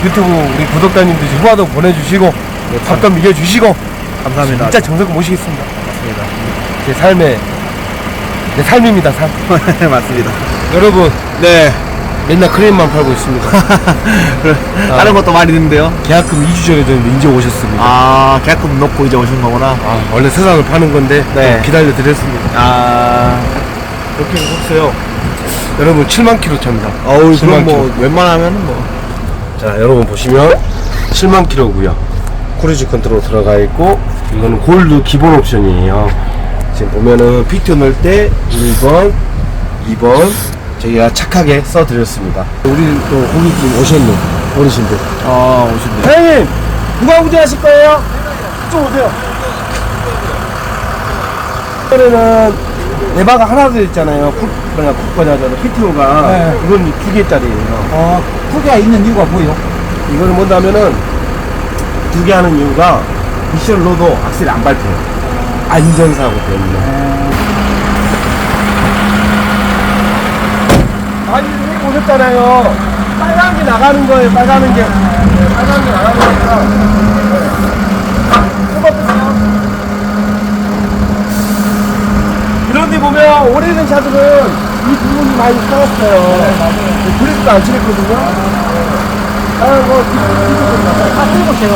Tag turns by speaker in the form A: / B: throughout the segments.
A: 유튜브 우리 구독자님들 후화도 보내주시고 밥도 먹여주시고
B: 감사합니다.
A: 진짜 정성 모시겠습니다.
B: 맞습니다.
A: 제 삶의 내 삶입니다. 삶.
B: 맞습니다.
A: 여러분
B: 네.
A: 맨날 크림만 팔고 있습니다.
B: 다른 것도 많이 있는데요.
A: 계약금 2주 전에 줬는데 이제 오셨습니다.
B: 아, 계약금 넣고 이제 오신 거구나.
A: 원래 세상을 파는 건데
B: 네.
A: 좀 기다려 드렸습니다. 이렇게 해봤어요. 여러분 7만 킬로 차입니다.
B: 어우,
A: 7만
B: 그럼 뭐,
A: 킬로.
B: 웬만하면 뭐.
A: 자, 여러분 보시면 7만 킬로고요. 크루즈 컨트롤 들어가 있고 이거는 골드 기본 옵션이에요. 지금 보면은 피트 넣을 때 1번, 2번 저희가 착하게 써드렸습니다. 우리 또 고객님 오셨네, 어르신들.
B: 오신대.
A: 사장님, 누가 운전하실 거예요? 좀 오세요. 이번에는 레바가 하나 더 있잖아요. PTO가.
C: 네.
A: 이건 2개짜리예요.
C: 두 개가 있는 이유가 뭐예요?
A: 이거는 뭐냐면은 2개 하는 이유가 미션로도 악셀이 안 밟혀요. 안전사고 때문에. 아니, 여기 오셨잖아요. 빨간 게 나가는 거예요. 빨간 게 나가는 거니까. 뽑아보세요. 이런데 보면 오래된 차들은 이 부분이 많이 살았어요. 그래도 안 칠했거든요. 거
C: 끌고 제가.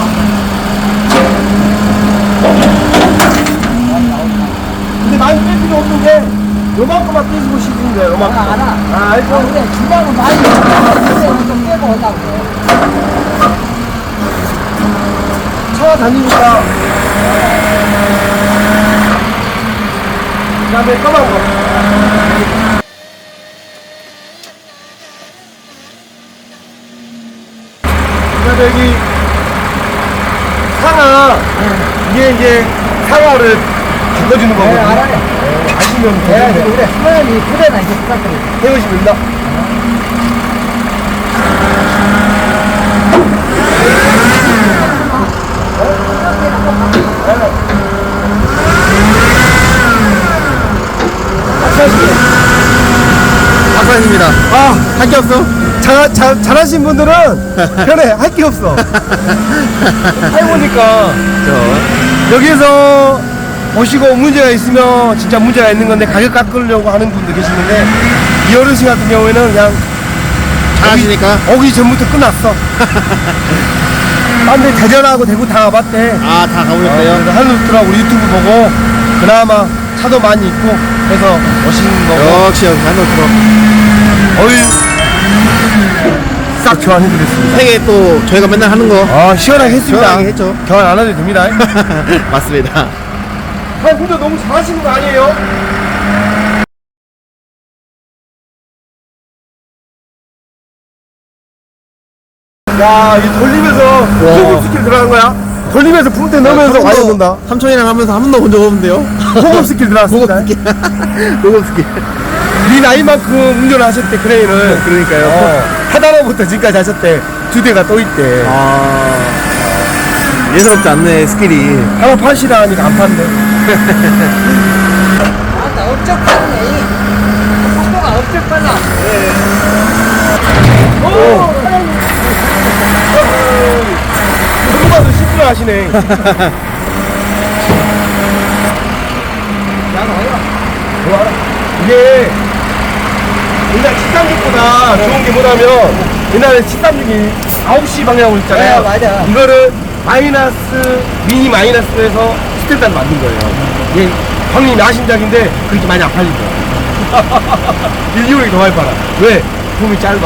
A: 근데 많이 뺄 필요 없는 게 요만큼만 떼시고 싶은 거예요. 요만큼.
C: 알아.
A: 알죠?
C: 근데 주방은 많이 그때는 좀 빼고 오다고.
A: 차가 다니니까. 그 다음에 까만 거. 그 다음에 여기 상하. 이게 이제 상하를 바꿔주는 거거든요.
C: 알아요.
A: 아시면
C: 내가
A: 되는데.
C: 그래 수면이 그래나 이제 부탁드려요.
A: 태우시면 됩니다.
B: 박사님입니다. 할 게 없어?
A: 잘하신 분들은 편해. 할 게 없어. 해보니까 여기에서 보시고 문제가 있으면 진짜 문제가 있는 건데 가격 깎으려고 하는 분도 계시는데 이 어르신 같은 경우에는 그냥
B: 잘하시니까?
A: 오기 전부터 끝났어. 딴데 대전하고 대구 다 와봤대.
B: 다 가보셨대요?
A: 한루트라고 우리 유튜브 보고 그나마 차도 많이 있고 해서 오신 거고
B: 역시 한노트로.
A: 어이 싹 교환해드렸습니다.
B: 세계 또 저희가 맨날 하는 거.
A: 시원하게 했습니다.
B: 시원하게 했죠.
A: 교환 안 해도 됩니다.
B: 맞습니다.
A: 근데 너무 잘하시는 거 아니에요? 야, 이 돌리면서 호흡 스킬 들어간 거야? 돌리면서 붕대 넣으면서 와이어 본다.
B: 삼촌이랑 하면서 한 번도 본 적 없는데요?
A: 호흡 스킬 들어갔습니다.
B: 고급 스킬.
A: 네 나이만큼 운전을 하셨대, 크레인을.
B: 그러니까요.
A: 하다로부터 지금까지 하셨대. 2대가 또 있대.
B: 예사롭지 않네, 스킬이.
A: 하나 파시라 하니까 안 판대.
C: 나 업적 빠르네. 속도가 업적 빨라.
A: 누구봐도 시프를 하시네. 이게 옛날 13기보다 좋은 게 뭐냐면 옛날에 13기이 9시 방향으로 있잖아요.
C: 네, 맞아.
A: 이거를 마이너스, 미니 마이너스에서 스탠다드 만든 거예요. 이게 형님이 아신작인데 그렇게 많이 안 팔린 거야. 일기록이 더 많이 팔아. 왜? 폼이 짧아.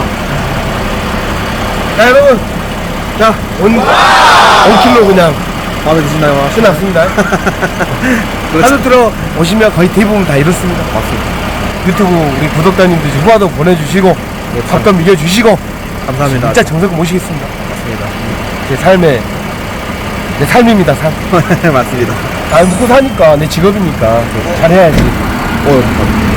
A: 자, 여러분. 자, 5kg 그냥
B: 마음에 드시나요?
A: 끝났습니다. 하루 들어 오시면 거의 대부분 다 이렇습니다. 맞습니다. 유튜브 우리 구독자님들 후화도 보내주시고 밥도 먹여주시고
B: 감사합니다.
A: 진짜 정성 모시겠습니다.
B: 맞습니다.
A: 제 삶의 내 삶입니다. 삶.
B: 맞습니다.
A: 아, 먹고 사니까 내 직업이니까 잘해야지.
B: 감사합니다.